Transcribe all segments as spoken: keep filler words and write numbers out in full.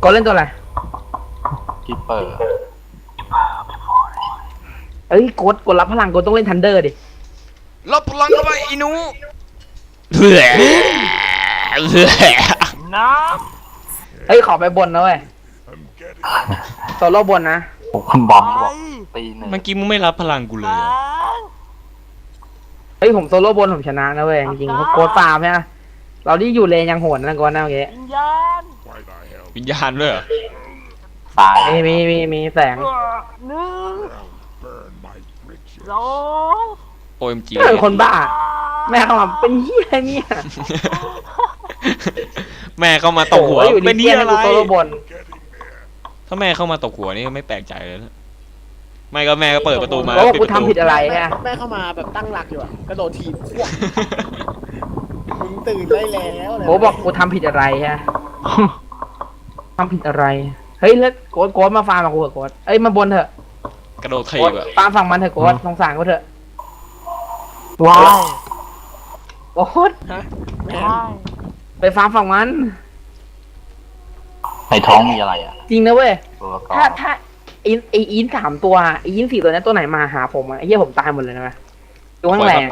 กดเล่นตัวอะไรกิปเปอร์เอ้ยกดกดรับพลังกดต้องเล่นทันเดอร์ดิรับพลังเข้าไปอีนูเฮ้ยน้เฮ้ยขอไปบนนะเว้ยโซโล่บนนะคุณบอมบอกตีหนึ่งเมื่อกี้มึงไม่รับพลังกูเลยเฮ้ยผมโซโล่บนผมชนะนะเว้ยจริงๆเพราะโกดฟาร์มใช่ไหมเราที่อยู่เลนยังโหดนะก่อนนะเมื่อกี้วิญญาณด้วยเหรอตายมีมีมีมีแสงหนึ่งสองโอเอ็มจีเป็นคนบ้าแม่เข้ามาเป็นเหี้ยเนี่ยแม่เข้ามาตกหัวเป็นเหี้ยอะไรโซโล่บนถ้าแม่เข้ามาตกหัวนี่ไม่แปลกใจเลยนะไม่ก็แม่ก็เปิดประตูมาแล้วกูทำผิดอะไรฮะแม่เข้ามาแบบตั้งหลักอยู่อะกระโดดถีบพวกมึงตื่นได้แล้วโอ้บอกกูทำผิดอะไรฮะทำผิดอะไรเฮ้ยแล้วโกดโกดมาฟาร์มกับกูเถอะโกดเอ้ยมาบนเถอะกระโดดถีบอะฟาร์มฝั่งมันเถอะโกดสงสารกูเถอะว้าวโกดไปฟาร์มฝั่งมันในท้องมีอะไรอ่ะจริงนะเว้ยถ้าถ้าอินไออินสามตัวไออินสี่ตัวนี้ตัวไหนมาหาผมอะไอเหี้ยผมตายหมดเลยนะตัวข้างแรง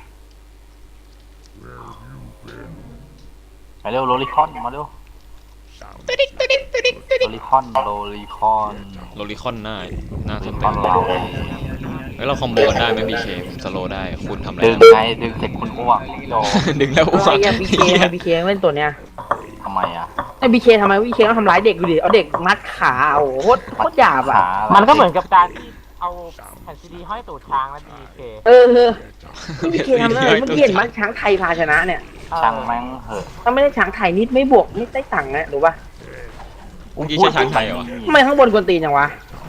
มาเร็วโรลิคอนมาเร็วโรลิคอนโรลิคอนโรลิคอนหน้าหน้าสนใจเราเฮ้ยเราคอมโบกันได้ไหมบีเคผมสโลได้คุณทำอะไรดึงไงดึงเสร็จคุณอ้วกโดดึงแล้วอ้วกไอ้บีเคบีเคเล่นตัวเนี้ยทำไมอ่ะไอ้บีเคทำไมบีเคต้องทำร้ายเด็กดูดิเอาเด็กมัดขาโอ้โหโคตรโคตรหยาบอ่ะมันก็เหมือนกับการที่เอาแผ่นซีดีห้อยตูดช้างแล้วบีเคเออบีเคทำอะไรเมื่อกี้เห็นมัดช้างไทยพาชนะเนี่ยช่างแม่งเหอะถ้าไม่ได้ช้างไทยนิดไม่บวกนิดได้ตังค์นะรู้ป่ะอุ้งยี่ใช่ช้างไทยเหรอทำไมข้างบนกวนตีนอย่างวะ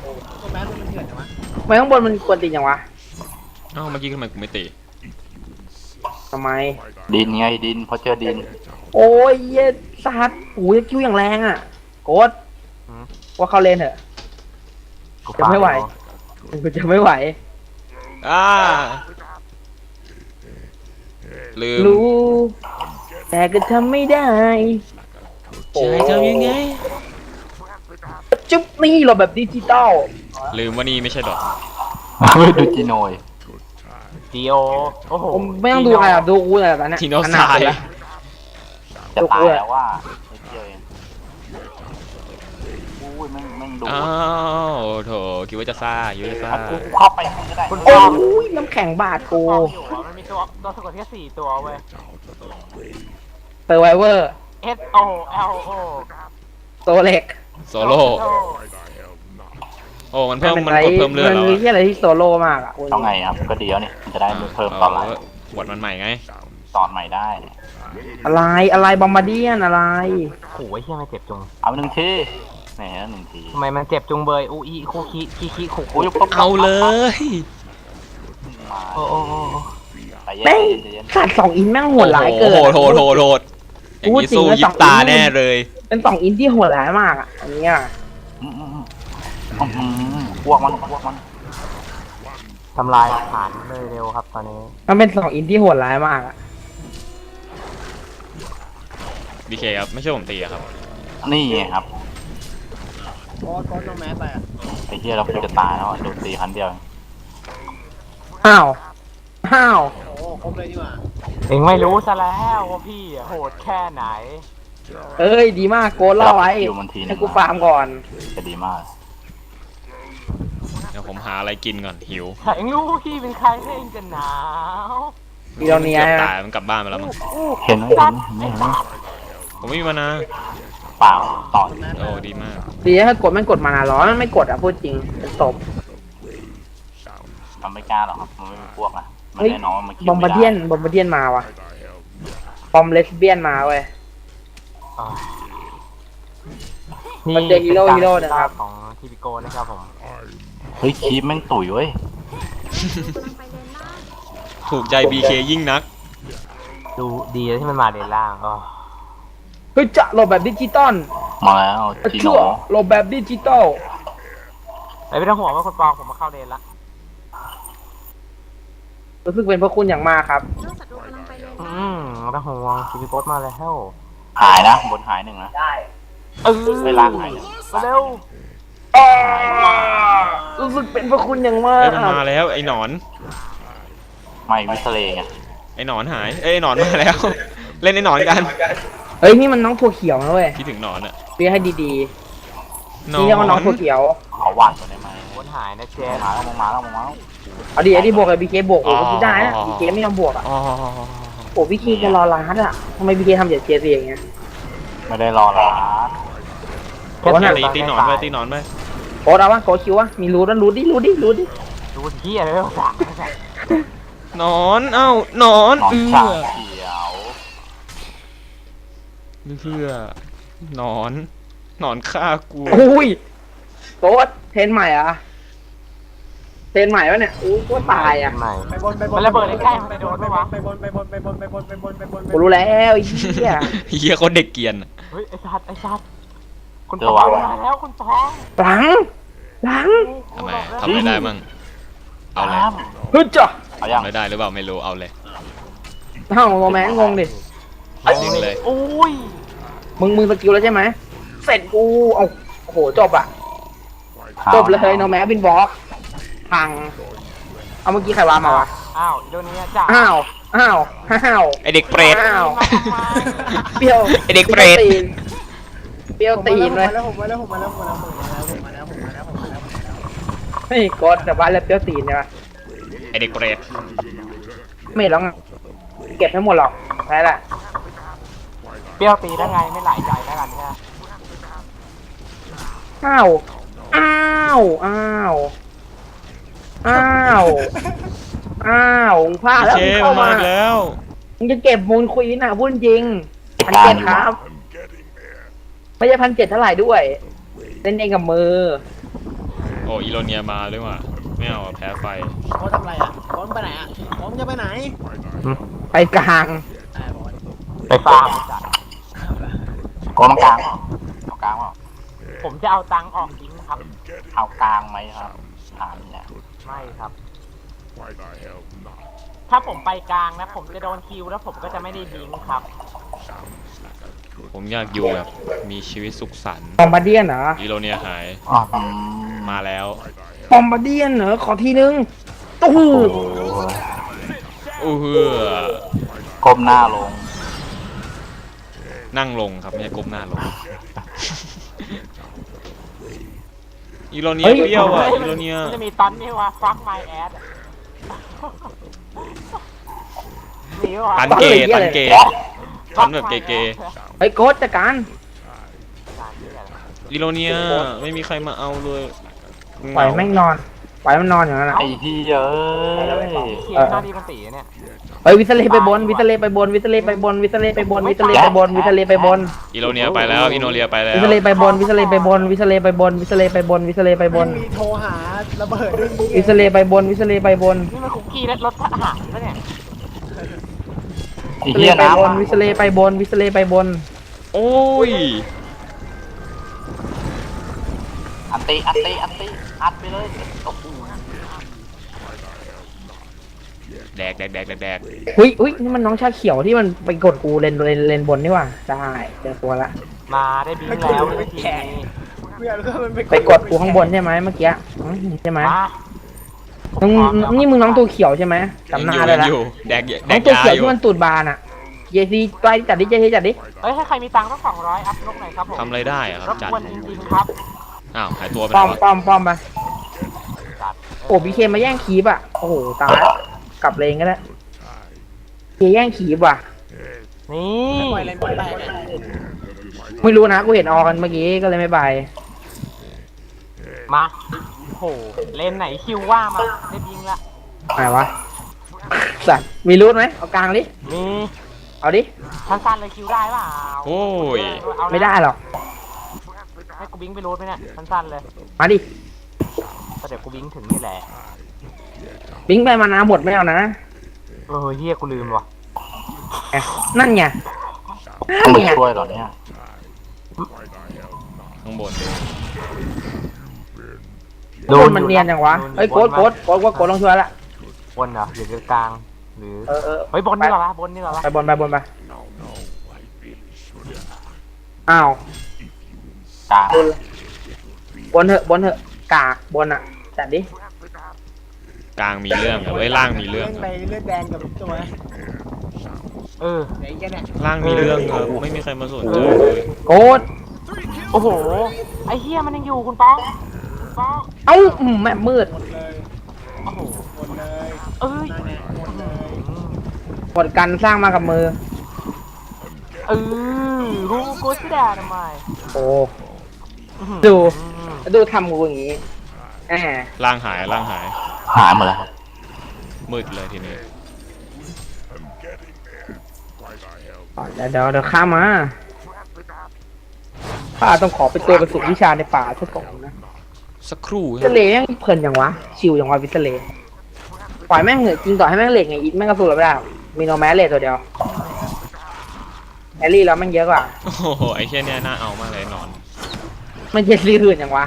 ทำไมข้างบนมันกวนตีนอย่างวะอ้าวเมื่อกี้ทำไมกูไม่ตีทำไมดินไงดินเพราะเจอดินโอ้ยเย็ดสัตว์โอ้ยคิวอย่างแรงอ่ะโกดว่าเขาเล่นเถอะจะไม่ไหวกูจะไม่ไหวอ่าลืมรู้แต่ก็ทำไม่ได้จะทำยังไงจุ๊บนี่เราแบบดิจิตอลลืมว่านี่ไม่ใช่ดอกไม่ดูจีโนยจีโอโอ้โหไม่ต้องดูใครอ่ะดูกูแต่ตอนนี้ทีโนสายจะตายแล้วว่าไม่เกี่ยวเองอุ้ยแม่งแม่งดูอ้าวโถคิดว่าจะซ่าอยู่จะซ่ากูเข้าไปมึงก็ได้โอ้ยน้ำแข็งบาดกูมันมีตัวตัวสะกดแค่สี่ตัวเว้ยเซอร์ไวเวอร์ S O L O โซเล็กโซโล่โอ้มันเพิ่มมันกดเพิ่มเลือดแล้วมันมีที่อะไรที่โซโล่มากอ่ะต้องไงครับก็ดีแล้วนี่จะได้เพิ่มตอนหลังวดมันใหม่ไงตอนใหม่ได้อะไรอะไรบอมบาร์เดียนอะไรโอ้ยเฮียไม่เจ็บจุงเอาหนึ่งทีแหมหนึ่งทีทำไมมันเจ็บจุงเบยอูอีคูคิคิคิคุคุเอาเลยโอ้โอ้แม่งขาดสองอินแม่งโหดร้ายเกินโหดโหดโหดโหดอย่างนี้สู้ยิบตาแน่เลยเป็นสองอินที่โหดร้ายมากอ่ะอันนี้อ่ะพวกมันพวกมันทำลายฐานเลยเร็วครับตอนนี้มันเป็นสองอินที่โหดร้ายมากอ่ะบีเคครับไม่ใช่ผมตีครับนี่ครับโค้ดโค้ดน้องแม่ไปอ่ะไอ้เหี้ยเราจะตายแล้วโดนตีครั้งเดียวอ้าวอ้าวโอ้ครบเลยดีกว่าเองไม่รู้ซะแล้วว่าพี่โหดแค่ไหนเอ้ยดีมากโกนเล่าไว้ให้กูฟาร์มก่อนจะดีมากเดี๋ยวผมหาอะไรกินก่อนหิวเองรู้พี่เป็นใครเองจะหนาวมีเราเนี้ยตายมันกลับบ้านไปแล้วมั้งเห็นไหมเห็นไหมเห็นไหมผมไม่มีมานะเปล่าต่อโอ้ดีมากดีถ้ากดมันกดมาหรอมันไม่กดอ่ะพูดจริงเป็นศพมันไม่กล้าหรอกครับมันไม่มีพวกนะมันแน่นอนมันคิดบอมบาร์เดียนบอมบาร์เดียนมาว่ะบอมเลสเบี้ยนมาเว้ยมันเจอฮีโร่ฮีโร่นะครับของทีพีโกนะครับผมเฮ้ยคีบแม่งตุ๋ยเว้ยถูกใจบีเคยิ่งนักดูดีที่มันมาเลนล่างก็เฮ้ยจะโหลดแบบดิจิตอลมาแล้วจีโน่โหลดแบบดิจิตอลไม่ต้องห่วงว่าคนปองผมมาเข้าเลนละรู้สึกเป็นพระคุณอย่างมากครับอืมไม่ต้องห่วงทีพีโกมาแล้วหายนะบนหายหนึ่งนะได้เออเวลาไหนมาเร็วอ้ารู้สึกเป็นพระคุณอย่างมาเอ้กยมันมาแล้วไอ้หนอนไม่วิสเลงไงไอ้หนอนหายเอ้ยไอ้หนอนมาแล้ว เล่นไอ้หนอนกันเฮ้ยนี่มันน้องถั่วเขียวนะเว้ยคิดถึงหนอนอะเรียกให้ดีหๆนอนี่เรียกว่าน้องนถั่วเขียวขอวาดก่อนได้ไหมวนหายนะเจมาแล้วมาแล้วมาแล้วเอาดิไอ้ที่บวกกับบีเคบวกโอ้ก็ได้นะบีเคไม่ยอมบวกอ่ะอ๋อโอ้บีเคจะรอร้านอ่ะทำไมบีเคทำอย่างเจซีอย่างเงี้ยไม่ได้รอละโอ้น่ะตีตีหนอนไปตีหนอนไปโค้ดเอาวะโค้ดคิววะมีรูดแล้วรูดดิรูดดิรูดดิดูเที่ยเลยสั่งหนอนเอ้าหนอนนอนเอื้ชาอเขียวเพื่อหนอนหนอนฆ่ากูอุ้ยโค้ดเทรนใหม่อ่ะเทรนใหม่วะเนี่ยอู้ก็ตายอ่ะไหนไปบนไปบนมันระเบิดใกล้ๆมันไปโดนไหมวะไปบนไปบนไปบนไปบนไปบนไปบนกูรู้แล้วไอ้เหี้ยเฮียเขาเด็กเกรียนอะเฮ้ยไอ้สัตว์ไอ้สัตว์คุณปองมาแล้วคุณปองหลังหลังทำไมทำอะไรได้มั่งเอาเลยฮึดจ้ะเอายังทำอะไรได้หรือเปล่าไม่รู้เอาเลยเอ้าโมแมนงงดิยิงเลยอุ้ยมึงมึงสกิลแล้วใช่ไหมเสร็จกูเอาโอ้โหจบอ่ะจบเลยโนแมสบินบล็อกพังเอาเมื่อกี้ใครวางมาวะอ้าวเดี๋ยวนี้จ้าอ้าวอ้าวอ้าวไอเด็กเปรตอ้าวเปรี้ยวไอ้เด็กเปรตเปรี้ยวตีนเลยผมมาแล้วผมมาแล้วผมมาแล้วผมมาแล้วผมมาแล้วผมมาแล้วผมมาแล้วผมมาแล้วเฮ้ยกดแต่ว่าแล้วเปรี้ยวตีนใช่ปะไอเด็กเปรตไม่หรอกเก็บไม่หมดหรอกแพ้แหละเปรี้ยวตีได้ไงไม่หลายใจแล้วกันแค่อ้าวอ้าวอ้าวอ้าวอ้าวมึงพลาดแล้วเชมึงฟเข้ามามาอีกแล้วมึงจะเก็บมูลควีนอ่ะพูดจริงพันเจ็ดครับ ไม่ใช่พันเจ็ดเท่าไหร่ด้วยเล่นเองกับมือโอ้อีโรเนียมาด้วยว่ะไม่เอาอะแพ้ไฟเขาทำอะไรอ่ะบอลไปไหนอ่ะบอลจะไปไหนไปกลางไปฟาร์มจัดโกงกลางเอากลางเปล่าผมจะเอาตังออกทิ้งครับ เอากลางไหมครับถามเนี่ยไม่ครับ ถ้าผมไปกลางนะผมจะโดนคิวแล้วผมก็จะไม่ได้บิงครับผมอยากอยู่แบบมีชีวิตสุขสันต์ปอมบาเดียนเหรออีโรเนียหายอ๋อมาแล้วปอมบาเดียนเหรอขอทีนึงตู้อู้เฮือก้มหน้าลงนั่งลงครับไม่ใช่ก้มหน้าลงอีโรเนียเปรี้ยวอ่ะอีโรเนียมันจะมีตอนนี้ว่าฟักไมแอดนี่ว่ะตันเกย์ตันเกย์ตันแบบเกย์เฮ้ยโกดจัดการอีโรเนียไม่มีใครมาเอาเลยปล่อยแม่งนอนปล่อยมันนอนอย่างนั้นนะไอ้ที่เยอะเขียนหน้าดีมันสีเนี่ยเฮ้ยวิสเลไปบนวิสเลไปบนวิสเลไปบนวิสเลไปบนวิสเลไปบนวิสเลไปบนอีโรเนียไปแล้วอีโนเรียไปแล้ววิสเลไปบนวิสเลไปบนวิสเลไปบนวิสเลไปบนวิสเลไปบนมีโทรหาระเบิดด้วยวิสเลไปบนวิสเลไปบนนี่มันคุกกี้และรถทหารแล้วเนี่ยวิสเลไปบนวิสเลไปบนวิสเลไปบนโอ้ยอันตีอันตีอันตีอัดไปเลยโอ้โหแดกแดกแดกแดกแดกอุ้ยอุ้ยนี่มันน้องชาเขียวที่มันไปกดกูเลนเลนเลนบนนี่หว่าได้เจอตัวละมาได้บิงแล้วในทีนี้เพื่อนก็มันไปกดกูข้างบนใช่ไหมเมื่อกี้อืมใช่ไหมมามึงนี่มึงน้องตัวเขียวใช่ไหมจำหน้าได้ยังละอยู่แดกแดน้องกตัวยาเขียวอยู่ที่มันตูดบานอ่ะเจซีไปจัดดิเจซีจัดดิเฮ้ยให้ใครมีตังค์ต้องสองร้อยอัพนกหน่อยครับผมทำอะไรได้อะครรับบ จัดกวนจริงๆครับอ้าวหายตัวไปป้อแล้วมอะป้อมป้อมไปจัดโอ้บีเคมาแย่งคีบอ่ะโอ้โหตายกลับเลนก็ได้เคแย่งคีบว่ะนี่ปล่อยเลนบอลไปไม่รู้นะกูเห็นออกกันเมื่อกี้ก็เลยไม่ไปมาโหเลนไหนคิวว่ามาได้บิงละไหนวะสัตว์มีรูทไหมเอากลางดิมีเอาดิสั้นๆเลยคิวได้เปล่าโอ้ยเอานะไม่ได้หรอกให้กูบิงไปรูดไหมเนี่ยสั้นๆเลยมาดิก็เดี๋ยวกูบิงถึงนี่แหละบิงไปมานาหมดไม่เอานะเออเฮียกูลืมว่ะแหมนั่นไงต้องนั่นไปไงช่วยเหรอเนี่ยข้างบนดูโดนมันเนียนจังวะเฮ้ยโกดโกดโกดว่าโกดลองช่วยละบนเหรอหรือกลางหรือเออเออเฮ้ยบนนี่เหรอวะบนนี่เหรอวะไปบนไปบนไปอ้าวกลางบนเถอะบนเถอะกากบนอ่ะจัดดิกลางมีเรื่องอะไว้ยล่างมีเรื่องเล่นอะไปเลือดแดงกับตัวเออไหนกันเนี่ยล่างมีเรื่องครับไม่มีใครมาสนใจเลยโกดโอ้โหไอ้เฮียมันยังอยู่คุณป้องคุณป้องเอ้าอืมแม่มืดหมดเลยโอ้โหหมดเลยเอ้ยนั่นแหละหมดเลยกดกันสร้างมากับมือเออรู้กูจะด่าทำไมโอ้ดูดูทำกูอย่างงี้แหมล่างหายล่างหายหายหมดแล้วครับมืดเลยทีนี้เดี๋ยวเดี๋ยวเดี๋ยวข้ามมาข้าต้องขอไปตัวกระสุนวิชาในป่าสักก่อนนะสักครู่วิสเลย์แม่งเพลินอย่างวะชิวอย่างวะวิสเลย์ปล่อยแม่งเหอะจริงต่อให้แม่งเหล็กไงอีทแม่งกระสุนเราไม่ได้มีโนแมสเลทตัวเดียวแอลลี่แล้วแม่งเยอะกว่าโอ้โหไอ้แค่เนี้ยน่าเอามากเลยนอนมันเย็นรีอื่นอย่างวะ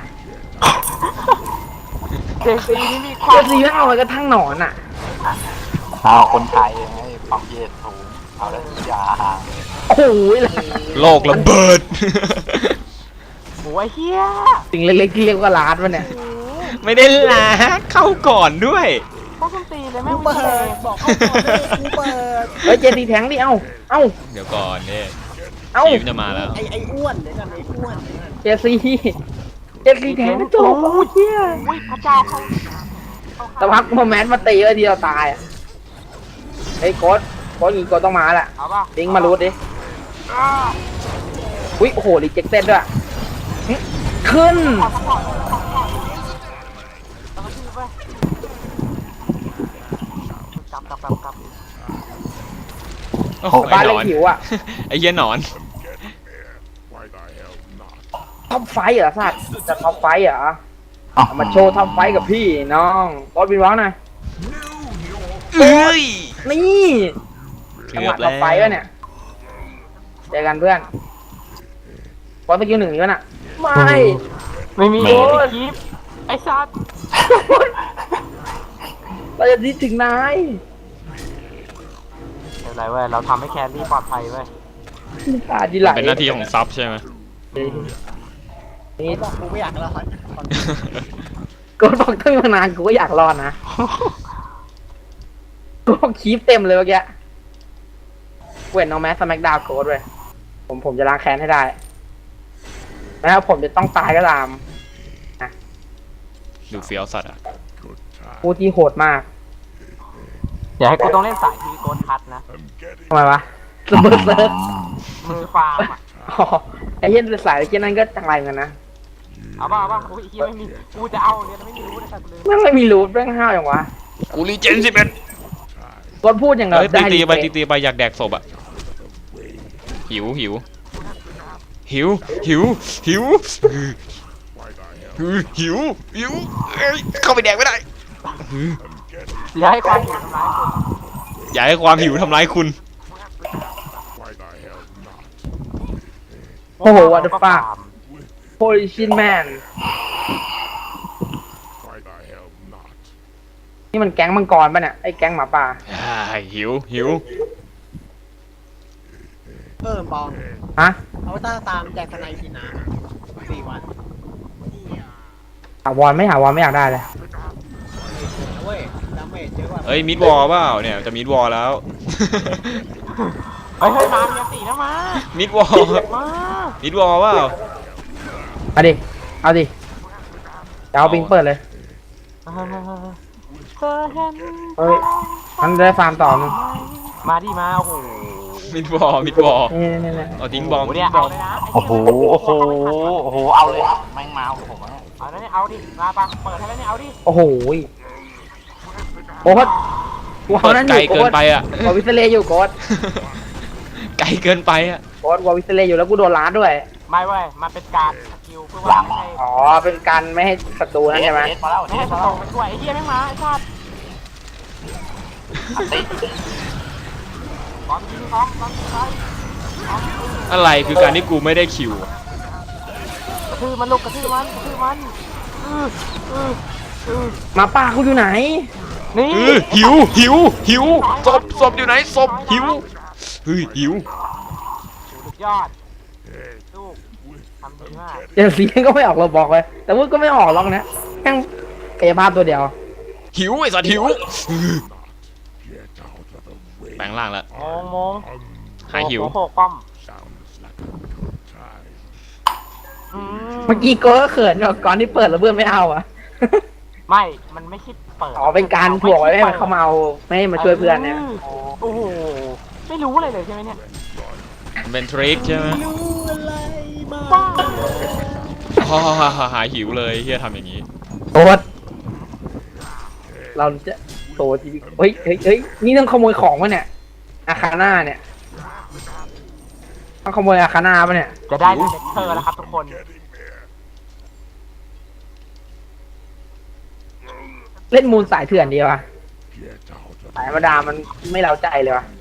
เจซีนี่มีควาเย็มนรีแม่งเอาไว้กระทั่งหนอนอ่ะเอาคนไทยให้ความเย็นสูงเอาแล้วทุกอย่างโอ้โหเลยโลกระเบิดโอ้ยเฮียสิ่งเล็กๆที่เรียกว่าลาดวะเนี่ยไม่ได้ล้าเข้าก่อนด้วยต้องส้นตีเลยแม่กูวิเปิเศดษบอกเขาก่อนเลยกูเปิดเฮ้ยเจดีแทงดิเอ้าเอ้าเดี๋ยวก่อนเนี่ยเอ้าทีมจะมาแล้วไอ้ไอ้อ้วนเดี๋ยวกันไอ้อ้วนเดี๋ยวกันเจซีเจซีแทงไม่จบโอ้ยเชี่ยอุ้ยพระเจ้าเขาแต่พักโมแมนต์มาตีไว้ทีเราตายอ่ะเฮ้ยโค้ดโค้ดยิงโค้ดต้องมาแหละเอาป่ะลิงก์มารูดดิอุ้ยโอ้โหรีเจ็คเต็ดด้วยหึขึ้นกลับกลับกลับกลับโอ้โหบ้านไอ้หเล็นกอนหิวอ่ะไอ้เหี้ยหนอนท็อปไฟท์เหรอสัตว์จะท็อปไฟท์เหรอเอามาโชว์ท็อปไฟท์กับพี่น้องโค้ดบินวอลหน่อยเอ้ยนี่เกืจังหอวะบท็อแล้ปไฟท์ววะเนี่ยเจอกันเพื่อนบอลสกิลหนึ่งอยู่น่ะไม่ไม่มีโอ้ยคลิปไอ้สัตว์เราจะดิ้นถึงนายไม่เป็นไรเว้ยเราทำให้แครี่ปลอดภัยเว้ยตาดีไหลเป็นหน้าที่ของซับใช่ไหมนี่บอกกูไม่อยากรอดกูบอกตั้งนานกูก็อยากรอดนะกูบอกคีฟเต็มเลยเมื่อกี้เว้นน้องแมสสแมกดาวโค้ดเลยผมผมจะล้างแค้นให้ได้แม้ว่าผมจะต้องตายก็ตามดูเฟี้ยวสัตว์อ่ะผู้ที่โหดมากอย่าให้กูต้องเล่นสายทีโกนคัดนะทำไมวะสเบิร์เซิร์ฟมือฟาร์มอ่ะอ๋อไอ้เหี้ยนสายไอ้เหี้ยนั่นก็จังไรเหมือนกันนะเอาป่ะเอาป่ะโอ้ยเฮียไม่มีกูจะเอาเนี่ยไม่มีรู้เลยแต่กูเลยแม่งไม่มีรูทแม่งห้าวอย่างวะกูรีเจนสิบเอ็ดกดพูดอย่างเราเฮ้ยตีได้ตีดีไปตีตีไปอยากแดกศพอ่ะ หิวหิว หิว หิว หิว หิว หิวเอ้ยเข้าไปแดกไม่ได้อย่าให้ความหิวทำร้ายคนอย่าให้ความหิวทำร้ายคุณโอ้โหวัตฟ้าโพลิชินแมนนี่มันแก๊งมังกรป่ะเนี่ยไอ้แก๊งหมาป่าอ่าหิว หิวเพิ่มปองฮะเอาตาตามแจกสไนทีนะสี่วันหาวอนไม่หาวอนไม่อยากได้เลยเว้ยดาเมจเยอะกว่าเอ้ยมิดวอลเปล่าเนี่ยจะมิดวอลแล้วเฮ้ยเฮ้ยมาเมียสี่นะมามิดวอลมามิดวอลเปล่าเอาดิเอาดิจะเอาปิงเปิดเลยเฮ้ยเฮ้ยเห็นเฮ้ยมันได้ฟาร์มต่อมึงมาดิมาโอ้โหมิดวอลมิดวอลนี่นี่นี่เอาทิ้งบอมโอ้โหทิ้เนี่ยงบเอาอมเลยนะโอ้โหโอ้โหโอ้โหเอาเลยครับแม่งมาเอาผมเอาแล้วเนี่ยเอาดิมาปะเปิดให้แล้วเนี่ยเอาดิโอ้โหโค้ดกูเอาเปิดนั้นอไกลยู่เกิโค้นดไปอ่ะวอวิสเลย์อยู่โค้ดไกลเกินไปอ่ะโค้ดวอวิสเลย์อยู่แล้วกูโดนล้าดด้วยไม่เว้ยมันเป็นการสกิลเพื่อว่าไม่ให้อ๋อเป็นการไม่ให้ศัตรูนั่นใช่ไหมไม่ให้สโตไปช่วยไอ้เหี้ยแม่งมาไอ้ชาติบอลยิงสองบอลยิงไปอะไรคือการที่กูไม่ได้คิวกระทืบมันลูกกระทืบมันกระทืบมันอืออืออือหมาป่ากูอยู่ไหนนี่เออหิวหิวหิวศพศพอยู่ไหนศพหิวเฮ้ยหิวสุดยอดลูกทำดีมากเจนซีก็ไม่ออกเราบอกเลย แต่ว่าก็ไม่ออกล็อกนะแค่กายภาพตัวเดียวหิวไอ้สัตว์หิวแปลงร่างแล้วโมงโมงหายหิวโโหป้อมอืเมื่อกี้โกก็เขินก่อนที่เปิดแล้วเพื่อนไม่เอาอะไม่ มันไม่คิดเปิดอ๋อเป็นการถ่วงไว้ไม่ให้มันเข้ามาเอาไม่ให้มาช่วยเพื่อนเนี่ยโอ้โหไม่รู้อะไรเลยใช่ไหมเนี่ยมันเป็นทริคใช่ไหมรู้อะไรบ้างป้าอ๋อหายหิวเลยเฮียทำอย่างนี้โตดเราจะโตจริงเฮ้ยเฮ้ยเฮ้ยนี่ต้องขโมยของวะเนี่ยอาคาน่าเนี่ยต้องขโมยอาคาน่าปะเนี่ยจะได้เลคเชอร์แล้วครับทุกคนเล่นมูลสายเถื่อนดีวะสายธรรมดามันไม่เล้าใจเลยวะ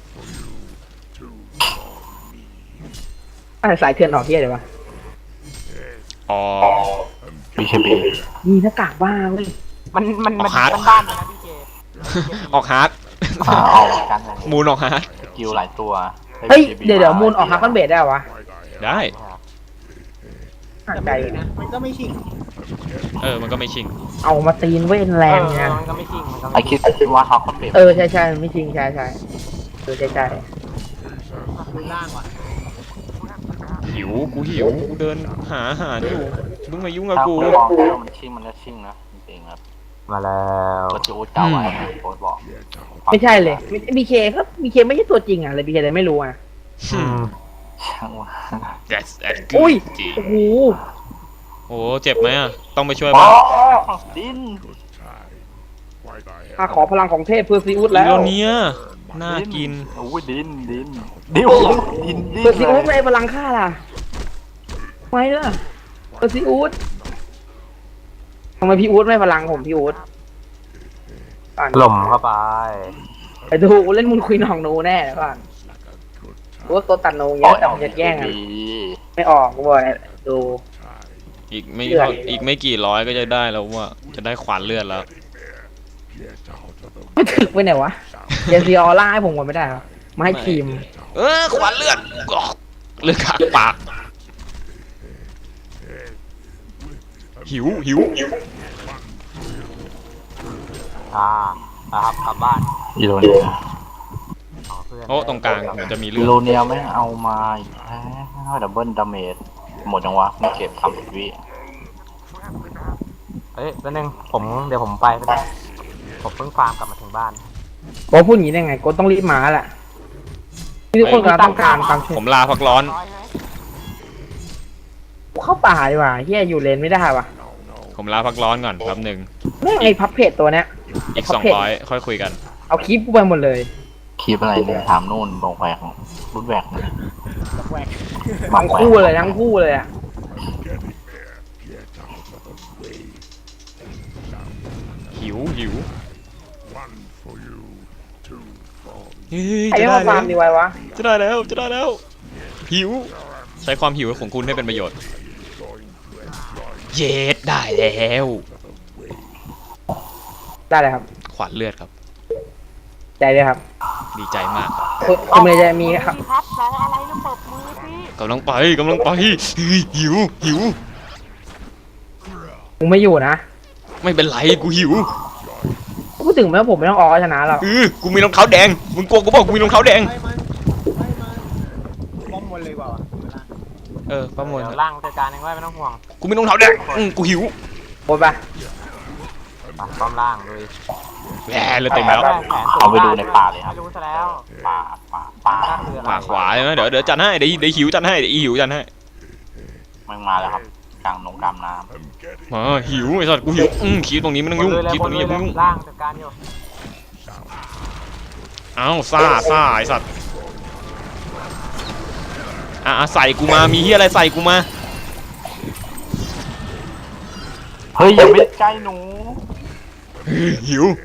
อะไรสายเถื่อนออกเที่ยเลยวะอ๋อบีเคบีมีหน้ากากบ้าเว้ยมันมันมันออกฮาร์ดบ้านๆเลยนะพี่เจออกฮาร์ดออกกันเลยมูนออกฮาร์ดสกิลหลายตัวเฮ้ยเดี๋ยวเดี๋ยวมูลออกฮักคอนเบดได้เหรอวะได้ห่างแต่ใจไม่นะมันก็ไม่ชิงเออมันก็ไม่ชิงเอามาตีนเว้นแรงเนี่ยมันก็ไม่จริงมันก็ไอคิดว่าเขาคอนเบเออใช่ใช่ไม่จริงใช่ใช่เออใช่ใช่มือล่างว่ะหิวกูหิวกูเดินหาอาหารอยู่มึงมายุ่งกับกูมันชิงมันก็ชิงนะจริงๆครับมาแล้วก็จะโอ๊ตเก่าไว้โอ๊ตบอกไม่ใช่เลยบีเคครับบีเคไม่ใช่ตัวจริงอ่ะเลยบีเคเลยไม่รู้อ่ะอืมช่างว่า that's that's อุ้ย good จริงโอ้โหโอ้เจ็บไหมอ่ะต้องไปช่วยอ๋ป่ะอดินข้าขอพลังของเทพเพื่อซีอุดอีแล้วโรเนียน่ากินโอ้ยดินดินดิวดินดินเพื่อซีอุดไม่พลังข้าล่ะไม่ล่ะเพื่อซีอุดทำไมพี่อูดไม่พลังผมพี่อูดก่อนหล่มเข้าไปไปดูเล่นมุนคุยหนองนูแน่เดี๋ยวก่อนรู้ว่าตัวตัดนูเยอะแต่มันจะแย่งกันไม่ออกบ่อยดูอีกไม่เลือดอีกไม่กี่ร้อยก็จะได้แล้วว่าจะได้ขวานเลือดแล้วไม่ถึกไปไหนวะเจนซีออร่าให้ผมก่อนไม่ได้เหรอมาให้ทีมเออขวานเลือดกอกเลือดขากปากหิวหิวอ่านะครับกลับบ้านอีโรเนียโอ้ตรงกลางเหมือนจะมีเลือีอดโรเนียไม่เอามาอีกแล้วดับเบิลดาเมจหมดจังวะไม่เก็บทำสิบวิเฮ้ยแป๊บนึงผมเดี๋ยวผมไปก็ได้ผมเพิ่งฟาร์มกลับมาถึงบ้านโกพูดอย่างนี้ได้ไงโกต้องรีบมาแหละที่ทุกคนกำลังต้องการความช่วยผมลาพักร้อนเข้าป่าดีกว่าเฮียอยู่เลนไม่ได้ว่ะผมลาพักร้อนก่อนแป๊บหนึ่งแม่งไอ้พับเพจตัวเนี้ยอีกสองร้อยค่อยคุยกันเอาคลิปกูไปหมดเลยคลิปอะไรเนี่ยถามนู่นบงแหวกรุ่นแหวกแหวกทั้งคู่เลยทั้งคู่เลยอ่ะหิวหิวเฮ้ยไอ้จะไม่ได้มาฟาแล้ร์วมดีไว้วะจะได้แล้วจะได้แล้ว หิว ใช้ความหิวของคุณให้เป็นประโยชน์ เย็ดได้แล้วได้เลยครับขวานเลือดครับใจเลยครับดีใจมากคุณคุณเมย์จะมีครับครับแล้วอะไรแล้วเปิดมือสิกำลังไปกำลังไปเฮ้ยหิวหิวกูไม่อยู่นะไม่เป็นไรกูหิวพูดถึงแม้ว่าผมไม่ต้องออกก็ชนะหรอกเออกูมีรองเท้าแดงมึงกลัวกูบอกกูมีรองเท้าแดงไปมันไปมันป้อมบนเลยว่ะวะเออประมวลเดี๋ยวล่างจัดการเองไว้ไม่ต้องห่วงกูมีรองเท้าแดงอืมกูหิวโอนปะไปป้อมล่างเลยแหมเลยเต็มแล้วเอาไปดูในป่าเลยครับไม่รู้ซะแล้วป่าป่าป่าคืออะไรขวาขวาใช่ไหมเดี๋ยวเดี๋ยวจัดให้เดี๋ยวเดี๋ยวหิวจัดให้เดี๋ยวอีหิวจัดให้มันมาแล้วครับกลางนงกลางน้มาหิวไอ้สัตว์กูหิวอืมคิดตรงนี้ไม่ต้องยุ่งคิดตรงนี้อย่าเพิ่งยุ่งล่างจัดการอยู่เอ้าซ่าซ่าไอ้สัตว์อ่ะอ่ะใส่กูมามีเฮียอะไรใส่กูมาเฮ้ยอย่าไปใกล้หนูเฮ้ยหิว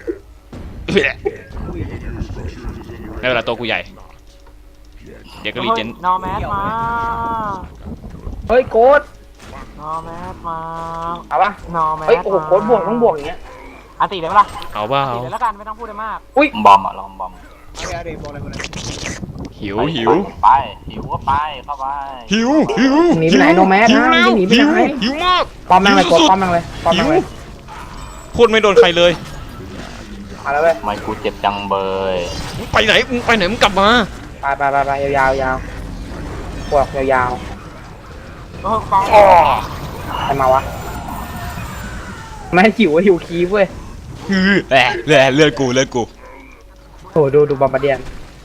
ได้เวลาตัวกูใหญ่เดี๋ยวก็รีเจนนอแมสมาเฮ้ยโกดนอแมสมาเอาปะนอแมสเฮ้ยโอ้โหโกดบวกต้องบวกอย่างเงี้ยอันตีเลยปะล่ะเอาเปล่าตีเลยแล้วกันไม่ต้องพูดอะไรมากอุ้ยบอมอะลองบอมเอาไปเอาเดี๋ยวบอกอะไรบอกอะไรหิวไปหิวไปหิวก็ไปเข้าไปหิวหิวหนีไปไหนโนแมสหิวนะเร็วหนีไปหิวไหนหิวมากป้อมแม่งเลยหิกวดสุดป้อมแม่งเลยป้อมหิแม่งวเลยพูดไม่โดนใครเลยมาแล้วเว้ยทำไมกูเจ็บจังเบยมึงไปไหนมึงไปไหนมึงกลับมาไปไปไปไปยาวๆยาวพวกยาวเออฟังอ๋อๆใครมาวะแม่งหิวหิวคีบเว้ยฮือแหละแหละเลือดกูเลือดกูโหดูดูบอมบ์เดียน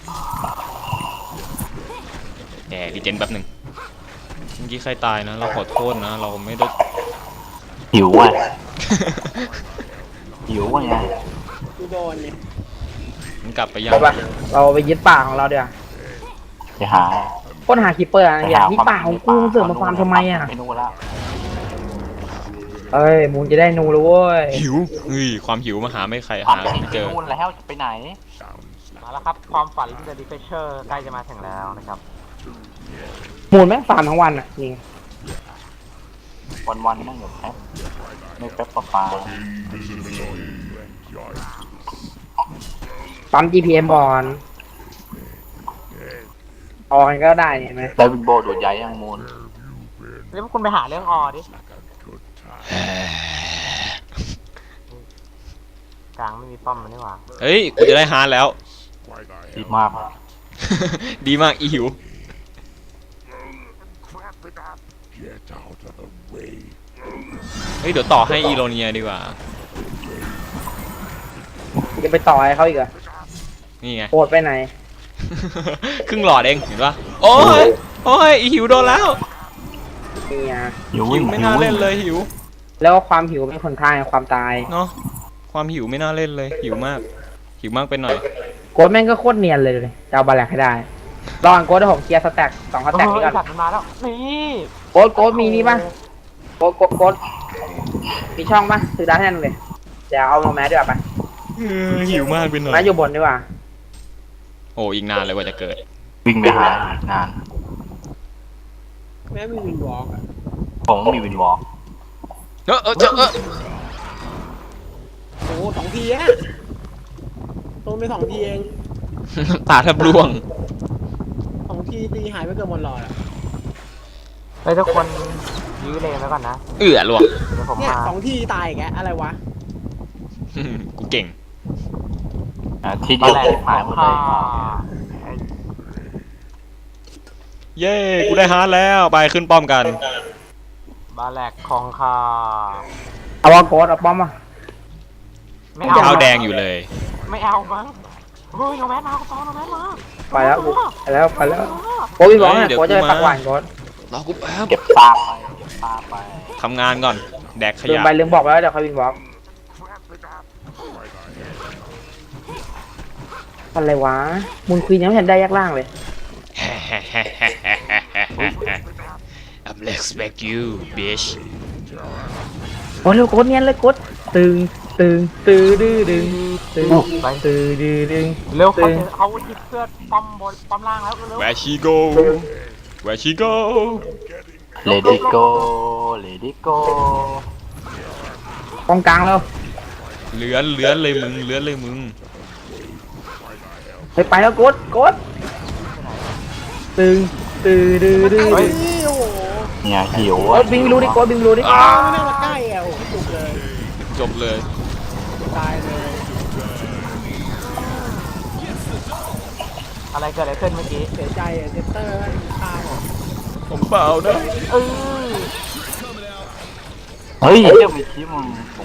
แหมรีเจนแป๊บหนึ่งเมื่อกี้ใครตายนะ เราขอโทษนะ เราไม่ได้หิวอ่ะหิวอ่ะไงกูโดนเนี่ยมันกลับไปยังไปปะเราไปยึดป่าของเราเดี๋ยวจะหาค้นหาคีเปอร์อะไรอย่างนี้ป่าของกูเสือกมาฟาร์มทำไมอ่ะไม่รู้แล้วเอ้ยมูนจะได้นูแล้วเว้ยหิวเฮ้ยความหิวมาหาไม่ใครความหาจริงไม่เจอนู่นแล้วจะไปไหนมาแล้วครับความฝันเดอะดิเฟเชอร์ใกล้จะมาถึงแล้วนะครับมูนแม่งฟาร์มทั้งวันอ่ะนี่วันวันๆนั่งอยู่แป๊บไม่แป๊บปะปาปั๊ม จี พี เอ็ม บอลออกกันก็ได้เนี่ยเห็นไหมได้วินโบดูดใหญ่ยังมูลแล้วพวกคุณไปหาเรื่องออดิกลางไม่มีป้อมมันนี่หว่าเฮ้ยกูจะได้ฮาร์ดแล้วดีมากดีมากอีหิว เฮ้ยเดี๋ยวต่อให้อีโรเนียดีกว่าจะไปต่อให้เขาอีกเหรอนี่ไงโหดไปไหนครึ่งหลอดเองเห็นปะโอ้ยโอ้ยอีหิวโดนแล้วนี่ไงหิวหิวไม่น่าเล่นเลยหิวแล้วก็ความหิวเป็นคนทางความตายเนาะความหิวไม่น่าเล่นเลยหิวมาก หิวมากไปหน่อยโกดแม่งก็โคตรเนียนเลยเลยจะเอาบาแลกให้ได้รออันโกดให้ผมเคลียร์สแต็กสองสแต็กนี้ก่อนมันมาแล้วนี่โกดโกดมีนี่ป่ะโกดโกดโกดมีช่องป่ะซื้อได้แน่นเลยเดี๋ยวเอาโนแมสดีกว่าไปเออหิวมากไปหน่อยแมสอยู่บนดีกว่าโอ้อีกนานเลยกว่าจะเกิดวิ่งไปหานานแม่มีวินวอล์กอะผมมีวินวอล์กเออเออเจอเออโอ้โหสองทีอะโดนไปสองทีเองตาแทบร่วงสองทีตีหายไปเกือบหมดหลอดอะเฮ้ยทุกคนยื้อเลยไว้ก่อนนะเอือร่วงเดี๋ยวผมเนี่ยมาสองทีตายอีกแกอะไรวะกูเก่งทีเดียวที่หายหมดเลยเย้กูได้ฮาร์ดแล้วไปขึ้นป้อมกันบาแลกคองคาเอาว่าโกดเอาป้อมมาไม่เอาเท้าแดงอยู่เลยไม่เอามั้งเฮ้ยโนแมสมาก็ตอนโนแมสมาไปแล้วกูไปแล้วไปแล้วโกดพี่บอกเนี่ยโกดจะไปปักหวานโกดรอกูแป๊บเก็บตาไปเก็บตาไปทำงานก่อนแดกขลืมยะไปลืมบอกไปแล้วเดี๋ยวค่อยวินบอกอะไรวะมูลควีนยังไม่เห็นได้ยักล่างเลย I'm expect you bitch โอ้เร็วโกดเนียนเลยโกดตึงตึงตื้อดื้อดึงตึงตื้อดื้อดึงเร็วเขาตึงเขาจิบเสื้อป้อมบนป้อมล่างแล้วเร็ว Where she go Where she go Let it go Let it go กองกลางแล้วเลื้อนเลื้อนเลยมึงเลื้อนเลยมึงไปไปแล้วโกดโกดตึงตื้อดื้อดึงไอ้นี่โอ้โหเนี่ยหิวโกดบิงรู้ดิโกดบิงรู้ดิอ้าไม่น่ามาใกล้อะโอ้โหจุกเลยจบเลยตายเลยอะไรเกิดอะไรขึ้นเมื่อกี้เสียใจอะเจสเตอร์แม่งฆ่าผมผมเปล่านะเออเฮ้ยเจ้ามีชีมึงผม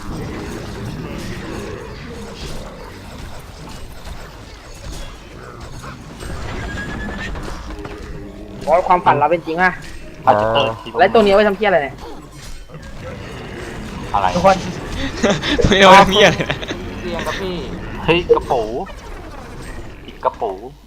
โกดความฝันเราเป็นจริงอะอาจจะเติมทีแล้วตัวนี้เอาไว้ทำเพี้ยอะไรเนี่ยอะไรทุกคนไม่เอาเมียเลยนะเตียงกับพี่เฮ้ยกระปูอีกกระปู